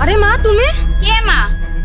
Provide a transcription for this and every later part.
আরে মা, তুমি কে মা?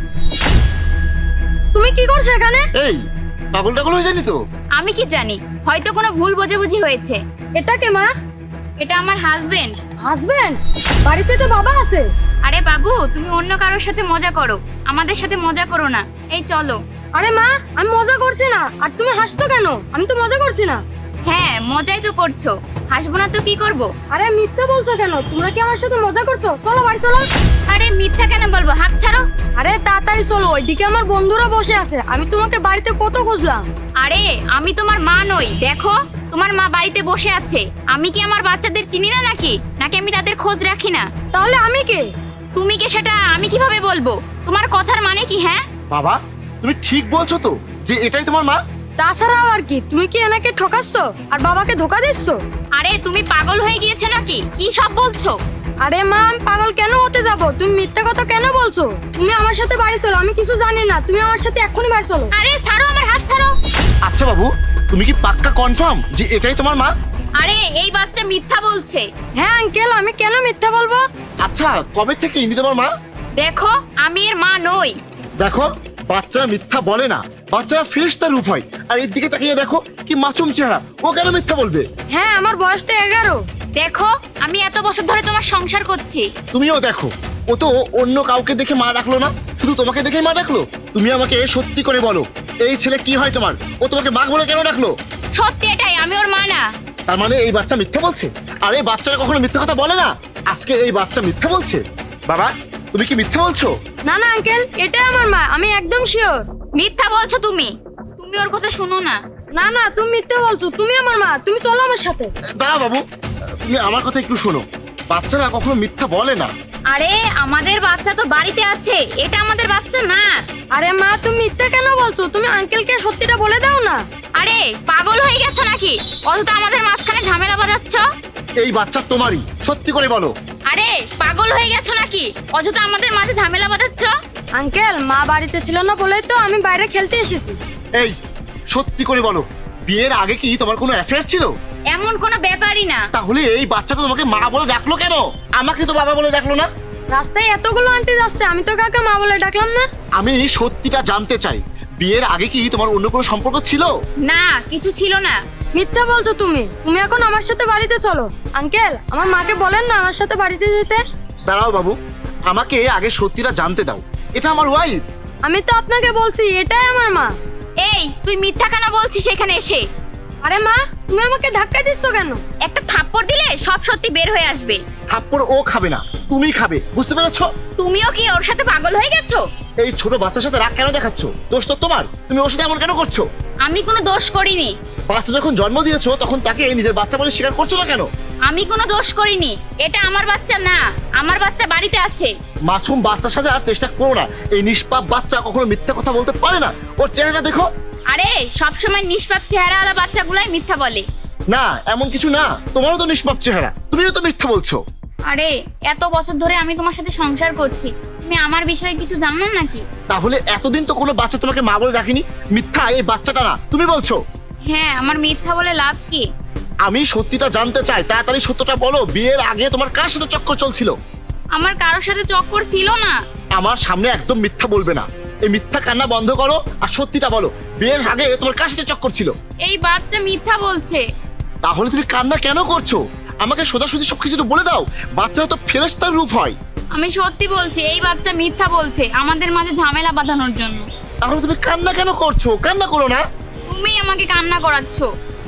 তুমি কি করছো এখানে? এই পাগল টাগল হয়ে জানি তো। আমি কি জানি, হয়তো কোনো ভুল বোঝাবুঝি হয়েছে। এটা কে মা? এটা আমার হাজবেন্ড। হাজবেন্ড? বাড়িতে তো বাবা আছে। আরে বাবু, তুমি অন্য কারোর সাথে মজা করো, আমাদের সাথে মজা করো না। এই চলো। আরে মা, আমি মজা করছি না। আর তুমি হাসছো কেন? আমি তো মজা করছি না। হ্যাঁ, মজাই তো করছো, হাসবো না তো কি করব? আরে মিথ্যা বলছো কেন? তোমরা কি আমার সাথে মজা করছো? চলো বাড়ি চলো। আরে মিথ্যা কেন বলবো, হাত ছাড়ো। আরে তাড়াতাড়ি চলো, ওইদিকে আমার বন্ধুরা বসে আছে। আমি তোমাকে বাড়িতে কত খুঁজলাম। আরে আমি তোমার মা নই, দেখো তোমার মা বাড়িতে বসে আছে। আমি কি আমার বাচ্চাদের চিনি না নাকি? নাকি আমি তাদের খোঁজ রাখি না? তাহলে আমি কে? তুমি কে সেটা আমি কিভাবে বলবো? তোমার কথার মানে কি? হ্যাঁ বাবা, তুমি ঠিক বলছো তো যে এটাই তোমার মা? তাছাড়া আর কি, তুমি কি এনাকে ঠকাচ্ছ আর বাবাকে ধোকা দিচ্ছ? আরে তুমি পাগল হয়ে গিয়েছো নাকি? কি সব বলছো? আরে মা, আমি পাগল কেন হতে যাব? তুমি মিথ্যা কথা কেন বলছো? তুমি আমার সাথে বাড়ি চলো, আমি কিছু জানি না। তুমি আমার সাথে এক্ষুনি বাড়ি চলো। আরে ছাড়ো, আমার হাত ছাড়ো। আচ্ছা বাবু, তুমি কি পাক্কা কনফার্ম যে এটাই তোমার মা? আরে এই বাচ্চা মিথ্যা বলছে। হ্যাঁ আঙ্কেল, আমি কেন মিথ্যা বলবো? আচ্ছা, কবে থেকে ইনি তোমার মা? দেখো আমি এর মা নই। দেখো, বাচ্চারা মিথ্যা বলে না, বাচ্চারা ফেরেশতার রূপ হয়। আর এর দিকে তাকিয়ে দেখো কি মাসুম চেহারা, ও কেন মিথ্যা বলবে? হ্যাঁ, আমার বয়স তো 11। দেখো আমি এত বছর ধরে তোমার সংসার করছি। তুমিও দেখো, ও তো অন্য কাউকে দেখে মা ডাকলো না, শুধু তোমাকে দেখেই মা ডাকলো। তুমি আমাকে সত্যি করে বলো, এই ছেলে কি হয় তোমার? ও তোমাকে মা বলে কেন ডাকলো? সত্যি এটাই, আমি ওর মা না। তার মানে এই বাচ্চা মিথ্যা বলছে? আর এই বাচ্চারা কখনো মিথ্যা কথা বলে না, আজকে এই বাচ্চা মিথ্যা বলছে। বাবা, তুমি কি মিথ্যা বলছো? না না আঙ্কেল, এটাই আমার মা, আমি একদম শিওর। মিথ্যা বলছো তুমি। তুমি ওর কথা শুনো না। না না, তুমি মিথ্যা বলছো। তুমি আমার মা, তুমি চলো আমার সাথে। দাঁড়া বাবু, তুমি আমার কথা একটু শোনো। বাচ্চারা কখনো মিথ্যা বলে না। আরে আমাদের বাচ্চা তো বাড়িতে আছে, এটা আমাদের বাচ্চা না। আরে মা, তুমি মিথ্যা কেন বলছো? তুমি আঙ্কেলকে সত্যিটা বলে দাও না। আরে পাগল হয়ে গেছো নাকি? অযথা আমাদের মাঝখানে ঝামেলা বাঁধাচ্ছ। এই বাচ্চা তোমারই, সত্যি করে বলো। আরে পাগল হয়ে গেছো নাকি? অযথা আমাদের মাঝে ঝামেলা বাঁধাচ্ছ। আঙ্কেল, মা বাড়িতে ছিল না বলেই তো আমি বাইরে খেলতে এসেছি। এই সত্যি করে বলো, বিয়ের আগে কি তোমার কোনো অ্যাফেয়ার ছিল? এমন কোনো ব্যাপারই না। তাহলে এই বাচ্চাটা তোমাকে মা বলে ডাকলো কেন? আমাকে তো বাবা বলে ডাকলো না। রাস্তায় এতগুলো আন্টি যাচ্ছে, আমি তো কাকে মা বলে ডাকলাম না। আমি সত্যিটা জানতে চাই, বিয়ের আগে কি তোমার অন্য কোনো সম্পর্ক ছিল? না, কিছু ছিল না। মিথ্যা বলছো তুমি। তুমি এখন আমার সাথে বাড়িতে চলো। আঙ্কেল, আমার মাকে বলেন না আমার সাথে বাড়িতে যেতে। দাঁড়াও বাবু, আমাকে আগে সত্যিটা জানতে দাও। এটা আমার ওয়াইফ। আমি তো আপনাকে বলছি এটাই আমার মা। এই তুই মিথ্যা কেন বলছিস এখানে এসে? আরে মা, তুমি আমাকে ধাক্কা দিচ্ছ কেন? একটা থাপ্পড় দিলে সব সত্যি বের হয়ে আসবে। থাপ্পড় ও খাবে না, তুমি খাবে, বুঝতে পেরেছো? তুমিও কি ওর সাথে পাগল হয়ে গেছো? এই ছোট বাচ্চার সাথে রাগ কেন দেখাচ্ছ? দোষ তো তোমার, তুমি ওর সাথে এমন কেন করছো? আমি কোনো দোষ করিনি। বাচ্চা যখন জন্ম দিয়েছো তখন তাকে নিজের বাচ্চা বলে স্বীকার করছো না কেন? আমি কোনো দোষ করিনি। এটা আমার বাচ্চা না, আমার বাচ্চা বাড়িতে আছে। মাসুম বাচ্চার সাথে আর চেষ্টা করো না। এই নিষ্পাপ বাচ্চা কখনো মিথ্যা কথা বলতে পারে না। ওর চেহারাটা দেখো। আরে সবসময় নিষ্পাপ চেহারাওয়ালা বাচ্চাগুলাই মিথ্যা বলে। না, এমন কিছু না, তোমারও তো নিষ্পাপ চেহারা, তুমিও তো মিথ্যা বলছো। আরে এত বছর ধরে আমি তোমার সাথে সংসার করছি, তুমি আমার বিষয়ে কিছু জানো না নাকি? তাহলে এতদিন তো কোনো বাচ্চা তোমাকে মা বলে ডাকেনি। মিথ্যা এই বাচ্চাটা না, তুমি বলছো। হ্যাঁ, আমার মিথ্যা বলে লাভ কি? আমি সত্যিটা জানতে চাই, তাড়াতাড়ি সত্যটা বলো। বিয়ের আগে তোমার কার সাথে চক্কর চলছিল? আমার কারোর সাথে চক্কর ছিল না। আমার সামনে একদম মিথ্যা বলবে না। এই মিথ্যা কান্না বন্ধ করো আর সত্যিটা বলো। বিয়ের আগে তোমার কার সাথে চক্কর ছিল? এই বাচ্চা মিথ্যা বলছে। তাহলে তুমি কান্না কেন করছো? আমাকে সোজাসুজি সবকিছু তো বলে দাও। বাচ্চারা তো ফেরেশতার রূপ হয়। আমি সত্যি বলছি, এই বাচ্চা মিথ্যা বলছে আমাদের মাঝে ঝামেলা বাঁধানোর জন্য। তাহলে তুমি কান্না কেন করছো? কান্না করো না। তুমি আমাকে কান্না করাচ্ছ।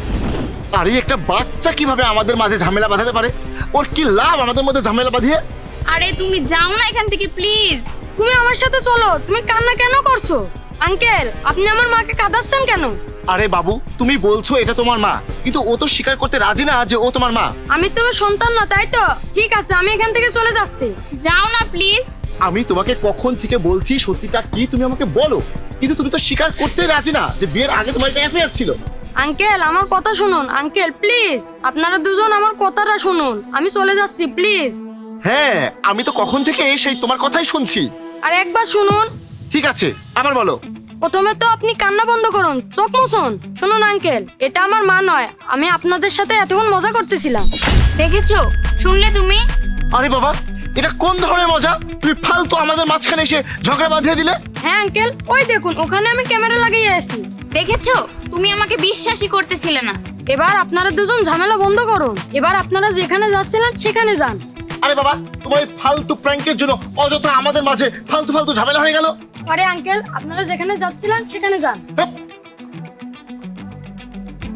আরে একটা বাচ্চা কিভাবে আমাদের মাঝে ঝামেলা বাঁধাতে পারে? ওর কি লাভ আমাদের মধ্যে ঝামেলা বাঁধিয়ে? আরে তুমি যাও না এখান থেকে প্লিজ। তুমি আমার সাথে চলো। তুমি কান্না কেন করছো? আঙ্কেল, আপনি আমার মাকে কাঁদাচ্ছেন কেন? আরে বাবু, তুমি বলছো এটা তোমার মা, কিন্তু ও তো স্বীকার করতে রাজি না যে ও তোমার মা। আমি তোমার সন্তান না, তাই তো? ঠিক আছে, আমি এখান থেকে চলে যাচ্ছি। যাও না প্লিজ। আমি তোমাকে কখন থেকে বলছি সত্যিটা কি তুমি আমাকে বলো, কিন্তু তুমি তো স্বীকার করতে রাজি না যে বিয়ের আগে তোমার একটা অ্যাফেয়ার ছিল। আঙ্কেল, আমার কথা শুনুন। আঙ্কেল প্লিজ, আপনারা দুজন আমার কথাটা শুনুন। আমি চলে যাচ্ছি, প্লিজ। হ্যাঁ, আমি তো কখন থেকে সেই তোমার কথাই শুনছি। আর একবার শুনুন। ঠিক আছে, আবার বলো। প্রথমে তো আপনি কান্না বন্ধ করুন, চোখ মুছুন। শুনুন আঙ্কেল, এটা আমার মা নয়। আমি আপনাদের সাথে এতক্ষণ মজা করতেছিলাম। দেখেছো? শুনলে তুমি? আরে বাবা, এটা কোন ধরনের মজা? তুমি ফালতু আমাদের মাঝখানে এসে ঝগড়া বাঁধিয়ে দিলে। হ্যাঁ আঙ্কেল, ওই দেখুন ওখানে আমি ক্যামেরা লাগিয়ে আছি। দেখেছো, তুমি আমাকে বিশ্বাসই করতেছিলে না। এবার আপনারা দুজন ঝামেলা বন্ধ করুন। এবার আপনারা যেখানে যাচ্ছিলেন সেখানে যান। আরে বাবা, তোমার এই ফালতু প্র্যাঙ্কের জন্য অযথা আমাদের মাঝে ফালতু ফালতু ঝামেলা হয়ে গেল। আরে আঙ্কেল, আপনারা যেখানে যাচ্ছিলেন সেখানে যান। হ্যাঁ,